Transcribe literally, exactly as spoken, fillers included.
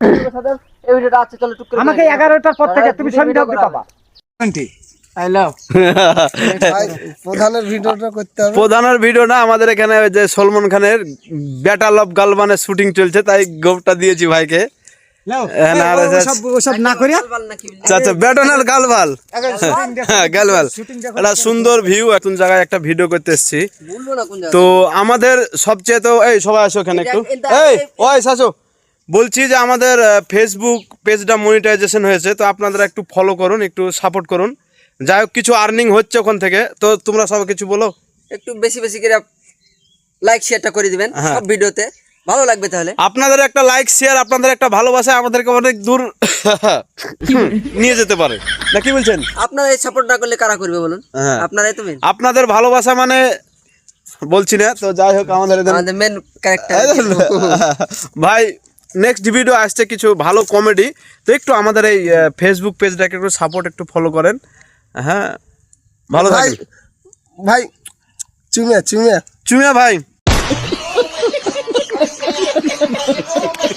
এই ভিডিওটা আছে, চলো টুক করে আমাকে এগারোটার পর থেকে তুমি সন্ধ্যা অবধি পাবা। আই লাভ প্রধানের ভিডিওটা করতে হবে। প্রধানের ভিডিও না, আমাদের এখানে ওই যে সলমন খানের ব্যাটাল অফ গালবানের শুটিং চলছে, তাই গোপটা দিয়েছি ভাইকে। ওসব না করিয়া আচ্ছা, ব্যাটানাল গালবাল, হ্যাঁ গালবাল, একটা সুন্দর ভিউ। এখন জায়গায় একটা ভিডিও করতে এসেছি। বলবো না কোন জায়গা। তো আমাদের সবচেয়ে তো এই সবাই আসো এখানে একটু, এই ওই আসো। বলছি যে আমাদের ফেসবুক পেজটা মনিটাইজেশন হয়েছে, তো আপনারা একটু ফলো করুন, একটু সাপোর্ট করুন। যাই হোক, কিছু আর্নিং হচ্ছে ওখান থেকে, তো তোমরা সব কিছু বলো। একটু বেশি বেশি করে লাইক শেয়ারটা করে দিবেন সব ভিডিওতে, ভালো লাগবে। তাহলে আপনাদের একটা লাইক শেয়ার, আপনাদের একটা ভালোবাসা আমাদেরকে অনেক দূর নিয়ে যেতে পারে, না কি বলছেন? আপনারা এই সাপোর্ট না করলে কারা করবে বলুন? হ্যাঁ। আপনারাই তো মেন। আপনাদের ভালোবাসা মানে বলছি না, তো যাই হোক আমাদের এদের- আমাদের মেন ক্যারেক্টার ভাই নেক্সট ভিডিও আসছে কিছু ভালো কমেডি, তো একটু আমাদের এই ফেসবুক পেজটাকে একটু সাপোর্ট, একটু ফলো করেন। হ্যাঁ, ভালো ভাই থাকেন ভাই চুমিয়া চুমিয়া চুমিয়া ভাই।